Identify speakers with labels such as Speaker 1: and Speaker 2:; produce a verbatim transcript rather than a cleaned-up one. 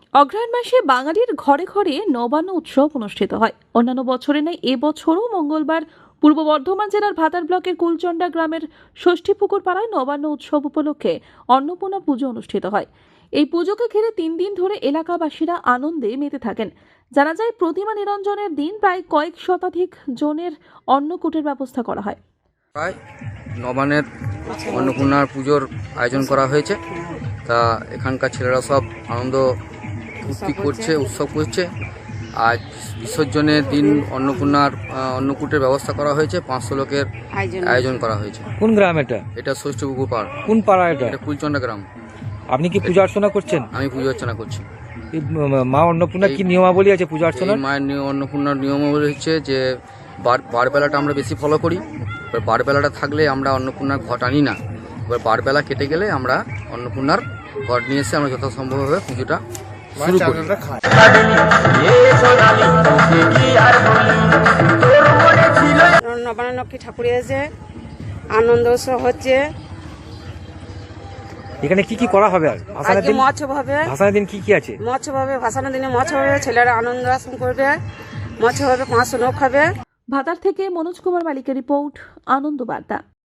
Speaker 1: অগ্রহায়ণ মাসে বাঙালির ঘরে ঘরে নবান্ন উৎসব অনুষ্ঠিত হয়। অন্যান্য বছরে নেই এবছরও মঙ্গলবার পূর্ব বর্ধমান জেলার ভাতার ব্লকের কুলচন্ডা গ্রামের ষষ্ঠীপুকুর পাড়ায় নবান্ন উৎসব উপলক্ষে অন্নপূর্ণা পুজো অনুষ্ঠিত হয়। এই পুজোকে ঘিরে তিন দিন ধরে এলাকাবাসীরা আনন্দে মেতে থাকেন। জানা যায়, প্রতিমা নিরঞ্জনের দিন প্রায় কয়েক শতাধিক জনের অন্নকূটের ব্যবস্থা করা হয়।
Speaker 2: প্রায় নবান্নের অন্নপূর্ণার পুজোর আয়োজন করা হয়েছে। তা এখানকার ছেলেরা সব আনন্দ ফুর্তি করছে, উৎসব করছে। আজ বিসর্জনের দিন অন্নপূর্ণার অন্নকূটের ব্যবস্থা করা হয়েছে। পাঁচশো লোকের আয়োজন করা হয়েছে।
Speaker 3: কোন গ্রাম এটা?
Speaker 2: এটা ষষ্ঠীপুকুর পাড়।
Speaker 3: কোন পাড়া এটা?
Speaker 2: এটা কুলচন্ডা গ্রাম।
Speaker 3: আপনি কি পূজা অর্চনা করছেন?
Speaker 2: আমি পুজো অর্চনা করছি।
Speaker 3: এই মা অন্নপূর্ণার কি নিয়মাবলী আছে পূজা অর্চনার?
Speaker 2: মায়ের অন্নপূর্ণার নিয়মাবলী হচ্ছে যে বার বারবেলাটা আমরা বেশি ফলো করি। এবার বারবেলাটা থাকলে আমরা অন্নপূর্ণার ঘট আনি না। এবার বারবেলা কেটে গেলে আমরা অন্নপূর্ণার ঘট নিয়ে এসে আমরা যথাসম্ভবভাবে পুজোটা শুরু করি।
Speaker 4: নবান্নক্ষী ঠাকুর এসে আনন্দ উৎসব হচ্ছে।
Speaker 3: এখানে কি কি করা হবে? আর ভাসানের দিন
Speaker 4: মৎস্য হবে।
Speaker 3: ভাসানের দিন কি কি আছে?
Speaker 4: মৎস্য হবে, ভাসানের দিনে মৎস্য হবে, ছেলেরা আনন্দ আসন করবে, মৎস্য হবে, পাঁচশো লোক হবে।
Speaker 1: ভাতার থেকে মনোজ কুমার মালিকের রিপোর্ট, আনন্দ বার্তা।